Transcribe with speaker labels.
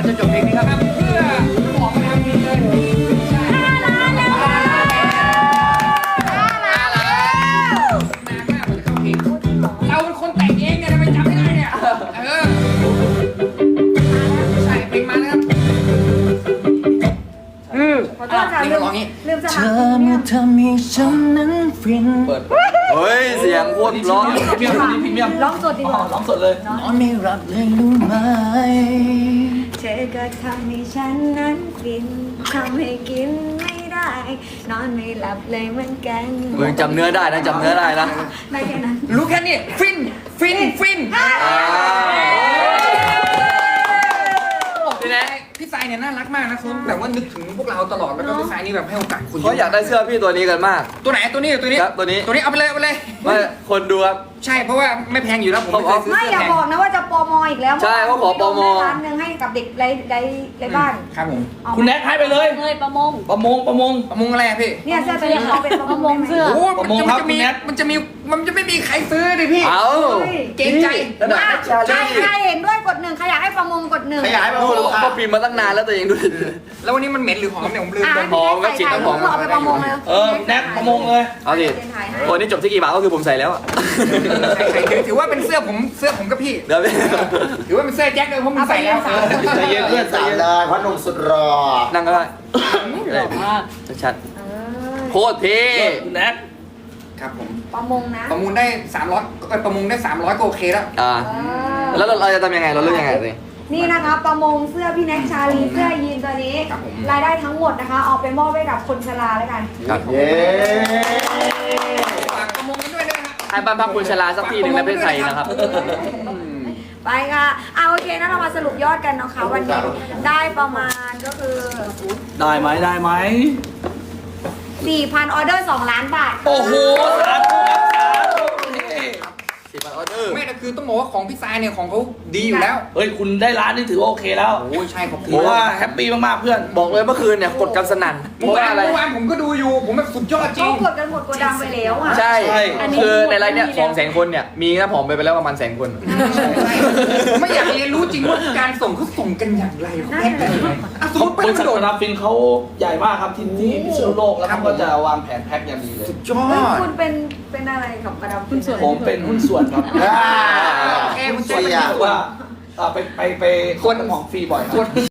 Speaker 1: จะจบเพลงนี้ครับเพื่อหอมนะครับมีเลยเราเป็นคนแต่งเองเนี่ยทำไมจำไม่ได้เนี่ยใช่เพลงมานะครับ
Speaker 2: ขอโทษค่ะลืมส
Speaker 3: เธ
Speaker 2: มัคร
Speaker 3: อเมื่อทำให้ฉันนั้นฟินเฮ้ยเสียงโคตรร้อง
Speaker 4: พรีเมียม
Speaker 2: ร้องสดดีกว่า
Speaker 4: ร้องสดเลย
Speaker 3: นอนไม่หลับเลยรู้ไหม
Speaker 2: เธอก็ทำให้ฉันนั้นฟินทำให้กินไม่ได้นอนไม่หลับเลยเหมือนกัน
Speaker 3: มึงจำเนื้อได้นะจำเนื้อได้นะ
Speaker 2: ได้แค่นั้น
Speaker 1: รู้แค่นี้ฟินฟินฟินพี่สายเนี่ยน่ารักมากนะคุณแบบว่านึกถึงพวกเราตลอดแล้วก็พี่สายนี่แบบให้โอกาสคุณ
Speaker 3: เขาอยากได้เสื้อพี่ตัวนี้กันมาก
Speaker 1: ตัวไหนตัวนี้ตัวนี้
Speaker 3: ครับตัวนี้
Speaker 1: ตัวนี้เอาไปเลยเอาไปเลย
Speaker 3: ไม่คนดูครับ
Speaker 1: ใช่เพราะว่าไม่แพงอยู่แล้วผมไม่เคยซื้อ
Speaker 2: ไม่
Speaker 1: เสื้อ
Speaker 2: อย่า
Speaker 1: แพง
Speaker 2: บอกนะว่าจะปมอีกแล้ว
Speaker 3: ใช่เขาขอปม
Speaker 2: ร้านหนึ่งให้กับเด็กไร้บ้าน
Speaker 1: ครับผม
Speaker 4: คุณแน็กให้ไปเลย
Speaker 5: เลยประมง
Speaker 4: ประมง
Speaker 1: ประมงอะไรอะพี่
Speaker 2: เนี่ยเสื้อตัวนี้เขาเป็นประมงเสื้อ
Speaker 1: โอ้
Speaker 4: ประมงครับคุณแน็ก
Speaker 1: มันจะไม่มีใครซื้อดิพี่
Speaker 3: เอา
Speaker 1: เกรงใจ
Speaker 3: ระดับชา
Speaker 2: ใคร
Speaker 3: ลี
Speaker 2: เห็นด้วยกดหนึ่งใครอยากให้ประมงกดหนึ่ง
Speaker 3: ขยายมาก็พิมพ์มาตั้งนานแล้วตัวเองด้วย
Speaker 1: แล้ววันนี้มันเหม็นหรือหอมเนี่ยผมลืม
Speaker 2: อ่ะ
Speaker 1: ไป
Speaker 3: หอมก็ฉีดน้ำหอม
Speaker 2: เอาไปประมงเลย
Speaker 4: แน็กประมงเลย
Speaker 3: เอาดิตัวนี้จบที่กี่บาทก็คือผมใส่แล้วอะ
Speaker 1: ถือว่าเป็นเสื้อผมกับพี่
Speaker 3: เดี๋ยวพี่
Speaker 1: ถือว่าเป็นเสื้อแจ็คเลยเพราะมันใส่แล้ว
Speaker 4: ใจเย็นเพื่อนใจ
Speaker 6: สาม
Speaker 4: เย็น
Speaker 6: เลยพ่อหนุ่มสุดรอ
Speaker 3: นั่งก็ได้
Speaker 5: หล่อมาก
Speaker 3: ชัดๆโคตรเท่
Speaker 4: คุณแน็ก
Speaker 1: ครับผม
Speaker 2: ประมงนะ
Speaker 1: ประมูลได้300ประมูลได้300ก็โอเคแล้ว
Speaker 3: อ่าแล้วเราจะทำยังไงเราเลือกยังไงสิ
Speaker 2: นี่นะคะประมงเสื้อพี่แน็กชาลีเสื้อยีนตัวนี้ รายได้ทั้งหมดนะคะเอาไปมอบให้กับคนชราแล้วกัน
Speaker 3: ครับ
Speaker 6: เย้
Speaker 1: ฝากประมูลกันด้วยนะครับ
Speaker 3: ให้บ้านพักคนชราสักทีหนึ่งในประเทศไทยนะครับ
Speaker 2: ไปค่ะเอาโอเคนะเรามาสรุปยอดกันนะคะวันนี้ได้ประมาณก็คือ
Speaker 4: ได้ไหมได้ไหม
Speaker 2: 4,000 ออเดอร์ 2 ล้านบาท
Speaker 4: โอ้โหสาธุครับสาธุนี่
Speaker 3: 10 บาทออเดอร์
Speaker 1: ไม่แต่คือต้องบอกว่าของพี่ทรายเนี่ยของเขาดีอยู่แล้ว
Speaker 4: เฮ้ยคุณได้ร้านนี่ถือว่าโอเคแล้ว
Speaker 1: โอ้ยใช่ขอบคุณ
Speaker 4: ผมว่าแฮปปี้มากๆเพื่อน
Speaker 3: บอกเลยเมื่อคืนเนี่ยกดกันสนั่นเพ
Speaker 1: เมื่อ
Speaker 3: ราะว่าอะไร
Speaker 1: วานผมก็ดูอยู่ผมแบบสุดยอดจริ
Speaker 2: เขา
Speaker 1: ง
Speaker 2: กดกันหมดกดดังไปแล้วอ่ะ
Speaker 3: ใช่
Speaker 5: อันนี้
Speaker 3: คือในไลน์เนี่ย200,000 คนเนี่ยมีน้ำหอมไปแล้วประมาณ100,000 คน
Speaker 1: ผมไม่อยากเรียนรู้จริงว่าการส่งเขาส่งกันอย่างไรเขาแพ็คกันยังไงอ่ะสมมติ
Speaker 4: บริษัท
Speaker 1: โด
Speaker 4: ก
Speaker 1: น
Speaker 4: ราฟินเขาใหญ่มากครับที่พิษณุโลกแล้วเขาก็จะวางแผนแพ็คอย่างดีเลย
Speaker 1: สุดยอ
Speaker 2: เฮ้ย
Speaker 1: ด
Speaker 2: คุณเป็นอะไรกับกระดับ
Speaker 5: คุณส่วน
Speaker 4: ผมเป็นหุ้นส่วนครับ
Speaker 1: โอเคคุณเจ๊
Speaker 4: รู้สึกว่าไปคนของฟรีบ่อยครับ